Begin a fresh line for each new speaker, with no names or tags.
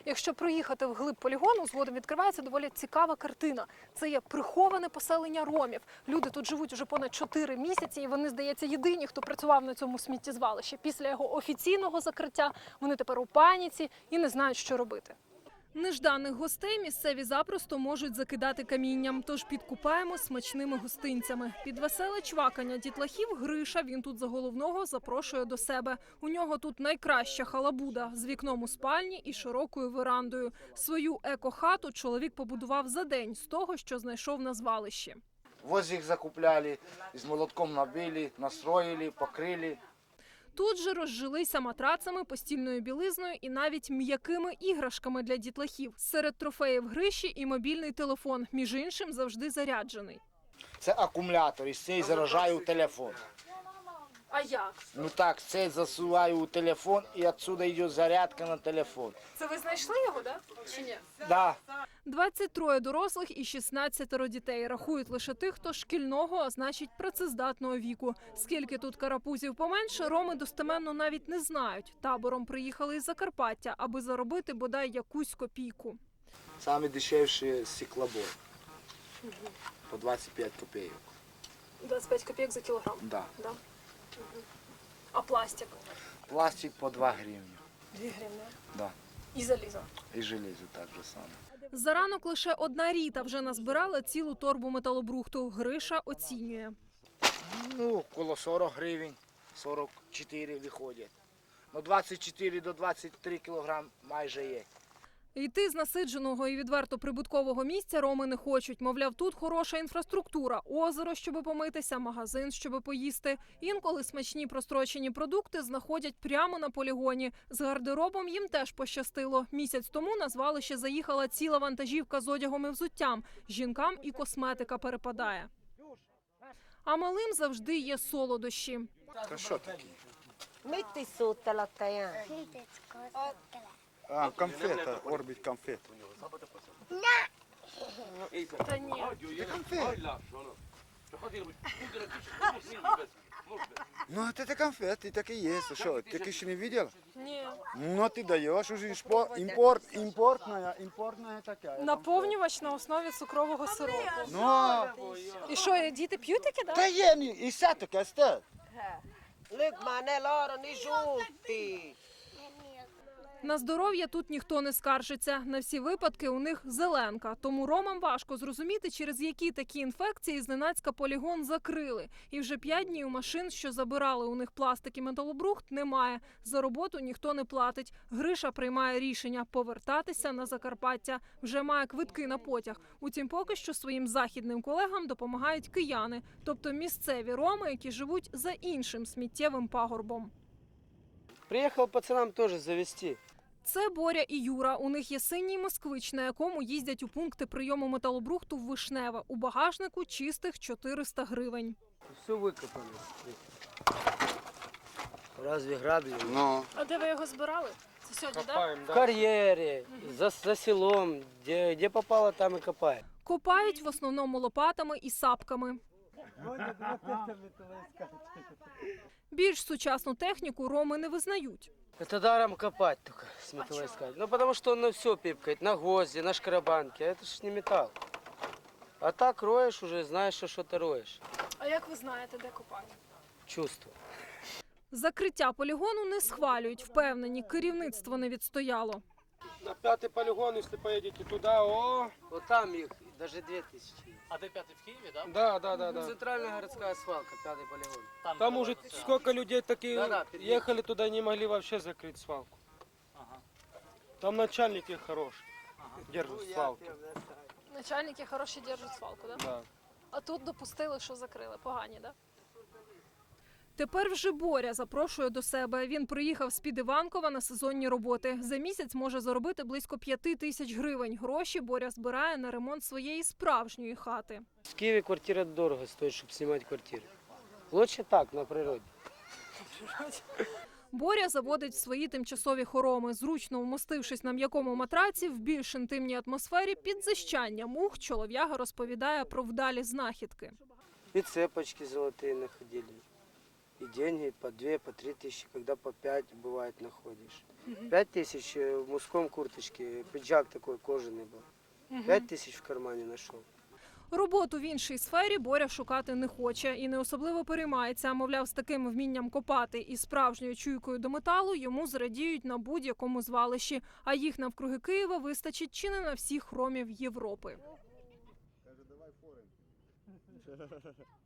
Якщо проїхати вглиб полігону, згодом відкривається доволі цікава картина. Це є приховане поселення ромів. Люди тут живуть уже понад 4 місяці, і вони, здається, єдині, хто працював на цьому сміттєзвалищі. Після його офіційного закриття вони тепер у паніці і не знають, що робити. Нежданих гостей місцеві запросто можуть закидати камінням, тож підкупаємо смачними гостинцями. Під веселе чвакання дітлахів Гриша, він тут за головного, запрошує до себе. У нього тут найкраща халабуда з вікном у спальні і широкою верандою. Свою еко-хату чоловік побудував за день з того, що знайшов на звалищі.
Воздух закупляли, з молотком набили, настроїли, покрили.
Тут же розжилися матрацами, постільною білизною і навіть м'якими іграшками для дітлахів. Серед трофеїв Гриші і мобільний телефон, між іншим завжди заряджений.
Це акумулятор, і цей заражаю телефон.
А як?
Ну так, цей засуваю у телефон, і відсюди йде зарядка на телефон.
Це ви знайшли його, да? Чи ні?
Да.
23 дорослих і 16 дітей. Рахують лише тих, хто шкільного, а значить працездатного віку. Скільки тут карапузів поменше, роми достеменно навіть не знають. Табором приїхали із Закарпаття, аби заробити бодай якусь копійку.
Саме дешевше стеклобой. По 25 копійок.
25 копійок за кілограм?
Да.
Да? А пластик?
Пластик по 2 гривні.
2 гривні.
Да.
І залізо?
І железо так же само.
За ранок лише одна Ріта вже назбирала цілу торбу металобрухту. Гриша оцінює.
Ну, коло 40 гривень, 44 виходять. Ну, 24 до 23 кілограм майже є.
Йти з насидженого і відверто прибуткового місця роми не хочуть. Мовляв, тут хороша інфраструктура, озеро, щоби помитися, магазин, щоби поїсти. Інколи смачні прострочені продукти знаходять прямо на полігоні. З гардеробом їм теж пощастило. Місяць тому на звалище заїхала ціла вантажівка з одягом і взуттям. Жінкам і косметика перепадає. А малим завжди є солодощі.
Та що таке?
Metti sotto la tagliata.
А, конфета, орбит конфет.
Та ні.
Ну, это конфеты, так и есть. Что, ты еще не видел?
Ні.
Ну, ты даешь уже импортная такая.
Наповнювач на основі цукрового сиропу.
Ну,
І що, діти п'ють таке, да?
да я не, и сато кастет.
Look, ma ne loro ni giunti.
На здоров'я тут ніхто не скаржиться. На всі випадки у них зеленка. Тому ромам важко зрозуміти, через які такі інфекції зненацька полігон закрили. І вже 5 днів машин, що забирали у них пластик і металобрухт, немає. За роботу ніхто не платить. Гриша приймає рішення повертатися на Закарпаття. Вже має квитки на потяг. Утім, поки що своїм західним колегам допомагають кияни. Тобто місцеві роми, які живуть за іншим сміттєвим пагорбом.
Приехал пацанам тоже завести.
Це Боря і Юра. У них є синій москвич, на якому їздять у пункти прийому металобрухту в Вишневе. У багажнику чистих 400 гривень.
Все выкопали. Разве грабли?
Ну,
А де ви його збирали? Це сьогодні, так?
В карьере, за селом, где попало, там и копаем.
Копають в основному лопатами і сапками. Більш сучасну техніку роми не визнають.
Это даром копать только с металлоискателем. Ну, потому что он на все пипкает, на гвозди, на шкрабанке, а это ж не металл. А так роешь уже, знаешь, что ты роешь.
А як ви знаєте, де копають?
Чувство.
Закриття полігону не схвалюють. Впевнені, керівництво не відстояло.
На 5-й полигон, если поедете туда,
Вот там их даже 2000.
А ты пятый в Киеве, да?
Да.
Центральная городская свалка, 5-й полигон.
Там уже сколько людей такие
Да-да,
ехали туда, не могли вообще закрыть свалку.
Ага.
Там начальники хорошие, держат свалку.
Начальники хороші держать свалку, так?
Да.
А тут допустили, що закрили. Погані, так? Тепер вже Боря запрошує до себе. Він приїхав з-під Іванкова на сезонні роботи. За місяць може заробити близько 5 тисяч гривень. Гроші Боря збирає на ремонт своєї справжньої хати.
В Киеве квартира дорого стоит, чтобы снимать квартиру. Лучше так, на природе.
Боря заводить в свої тимчасові хороми. Зручно вмостившись на м'якому матраці, в більш інтимній атмосфері під зищання мух, чолов'яга розповідає про вдалі знахідки.
И цепочки золотые находили. И деньги по 2, по 3 тысячи, когда по 5 бывает находишь. 5 тысяч в мужском курточке, пиджак такой кожаный был. 5 тысяч в кармане нашел.
Роботу в іншій сфері Боря шукати не хоче і не особливо переймається. Мовляв, з таким вмінням копати і справжньою чуйкою до металу йому зрадіють на будь-якому звалищі. А їх навкруги Києва вистачить чи не на всіх ромів Європи.